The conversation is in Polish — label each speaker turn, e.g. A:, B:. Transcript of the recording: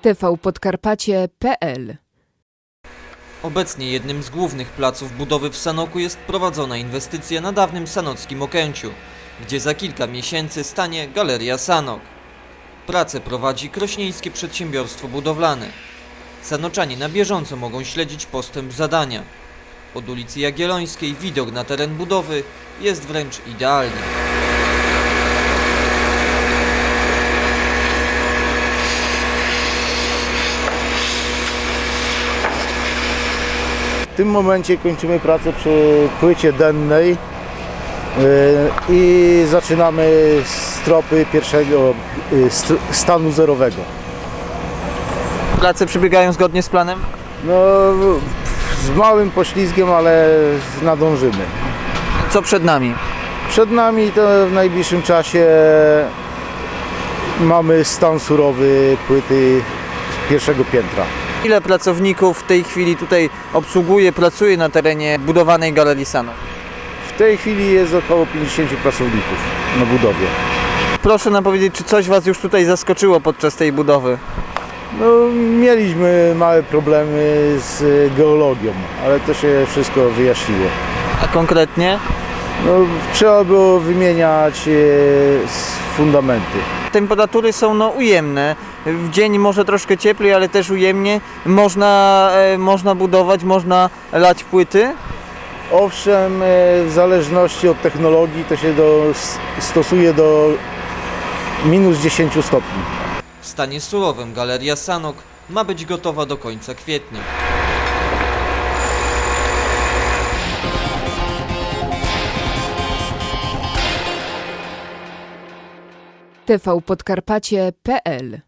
A: tvpodkarpacie.pl.
B: Obecnie jednym z głównych placów budowy w Sanoku jest prowadzona inwestycja na dawnym sanockim Okęciu, gdzie za kilka miesięcy stanie Galeria Sanok. Pracę prowadzi krośnieńskie przedsiębiorstwo budowlane. Sanoczanie na bieżąco mogą śledzić postęp zadania. Od ulicy Jagiellońskiej widok na teren budowy jest wręcz idealny.
C: W tym momencie kończymy pracę przy płycie dennej i zaczynamy stropy pierwszego stanu zerowego.
B: Prace przebiegają zgodnie z planem?
C: No, z małym poślizgiem, ale nadążymy.
B: Co przed nami?
C: Przed nami to w najbliższym czasie mamy stan surowy płyty pierwszego piętra.
B: Ile pracowników w tej chwili tutaj pracuje na terenie budowanej Galerii Sanok?
C: W tej chwili jest około 50 pracowników na budowie.
B: Proszę nam powiedzieć, czy coś Was już tutaj zaskoczyło podczas tej budowy?
C: No, mieliśmy małe problemy z geologią, ale to się wszystko wyjaśniło.
B: A konkretnie?
C: No, trzeba było wymieniać fundamenty.
B: Temperatury są ujemne. W dzień może troszkę cieplej, ale też ujemnie. Można budować, można lać płyty.
C: Owszem, w zależności od technologii to się stosuje do minus 10 stopni.
B: W stanie surowym Galeria Sanok ma być gotowa do końca kwietnia.
A: tvpodkarpacie.pl